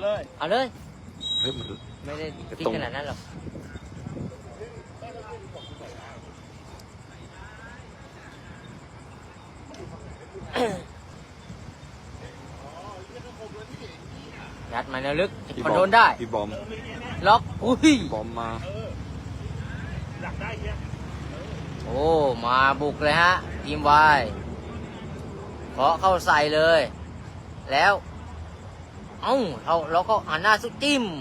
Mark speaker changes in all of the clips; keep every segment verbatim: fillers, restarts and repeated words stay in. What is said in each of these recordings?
Speaker 1: เลยเอาเลย
Speaker 2: เฮ้ยมัน
Speaker 1: ไม่ได้คิดขนาดนั้นหรอกยัดมาแนวลึกคอนโทรลได้
Speaker 2: พี่บอม
Speaker 1: ล็อกอุ้ย
Speaker 2: บอมมา
Speaker 1: โอ้มาบุกเลยฮะทีมวายเคาะเข้าใส่เลย แล้วเอ้าเราเราก็หันหน้าสุดจิ้ม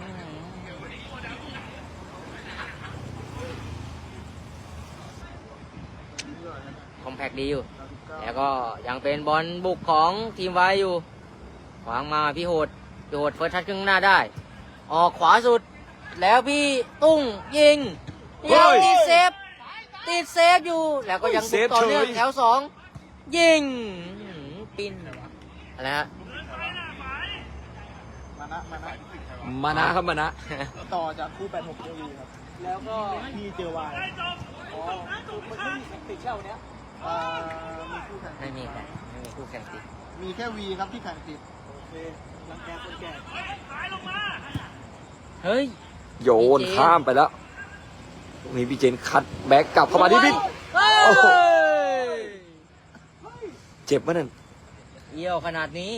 Speaker 1: คอมแพคดีอยู่แล้วก็ยังเป็นบอลบุกของทีมวายอยู่ขวางมาพี่โหดพี่โหดเฟิร์สทัชครึ่งหน้าได้ออกขวาสุดแล้วพี่ตุ้งยิงยังติดเซฟติดเซฟอยู่แล้วก็ยังบุกต่อเนื่องแถวสองยิงปินอะไรฮะ
Speaker 3: มานะมานะ
Speaker 2: มานะครับมานะ
Speaker 3: ต่อจากคู่แปดหกเจอวีครับแล้วก็พี่เจอวายอ๋อคือมันไม่มีติดเช่าเนี้ยอ่ามีคู่แข่ง
Speaker 1: ไม่มีครับไม่มีคู่แข่งติด
Speaker 3: มีแค่วีครับที่แข่งติดโอเครังแกคนแก่
Speaker 1: เฮ้ย
Speaker 2: โยนข้ามไปแล้วตรงนี้พี่เจนคัดแบ็กกลับเข้ามาที่พี่
Speaker 1: เฮ้
Speaker 2: โอ้โห
Speaker 1: ย
Speaker 2: เจ็บปะนั่น
Speaker 1: เยี่ยวขนาดนี้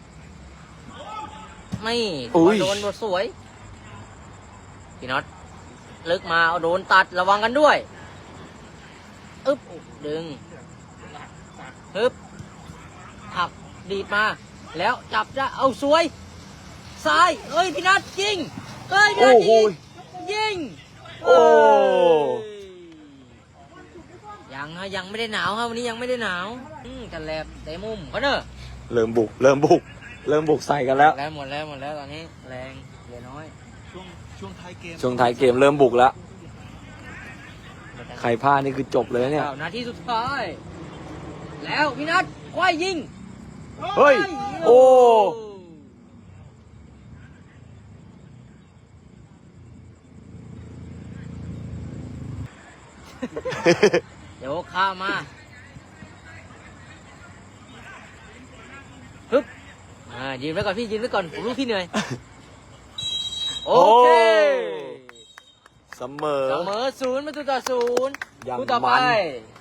Speaker 1: ไม่
Speaker 2: อุ้ย
Speaker 1: โดนบทสวยพี่น็อตลึกมาเอาโดนตัดระวังกันด้วยอึ๊บดึงฮึบหักดีดมา แล้วจับจะเอาสวยซ้ายเอ้ยพี่นัทยิงเอ้ยพี่
Speaker 2: โอ้
Speaker 1: นัท
Speaker 2: โห
Speaker 1: ยิงยิง
Speaker 2: โอ้
Speaker 1: เอ้ยยังฮะยังไม่ได้หนาวครับวันนี้ยังไม่ได้หนาวอืมกันแลบเตะมุมเขาเนอะ
Speaker 2: เริ่มบุก เริ่มบุก เริ่มบุกใส่กันแล้ว
Speaker 1: แล้วหมดแล้วหมดแล้วตอนนี้แรงเหลือน้อย
Speaker 3: ช่วงช่วงท้ายเกม
Speaker 2: ช่วงท้ายเกมเริ่มบุกแล้ว ใครพลาดนี่คือจบเลยเนี่ย
Speaker 1: เก้านาทีสุดท้าย แล้วพี่นัทควายยิง
Speaker 2: เฮ้ย โอ้
Speaker 1: เดี๋ยวข้ามมาฮึบอ่ายืนไว้ก่อนพี่ยืนไว้ก่อนผมรู้พี่เหนื่อย โอเค
Speaker 2: เสมอ
Speaker 1: เสมอศูนย์ประตูต่อศูนย์
Speaker 2: อย่าง
Speaker 1: คู่ต่อไป
Speaker 2: มัน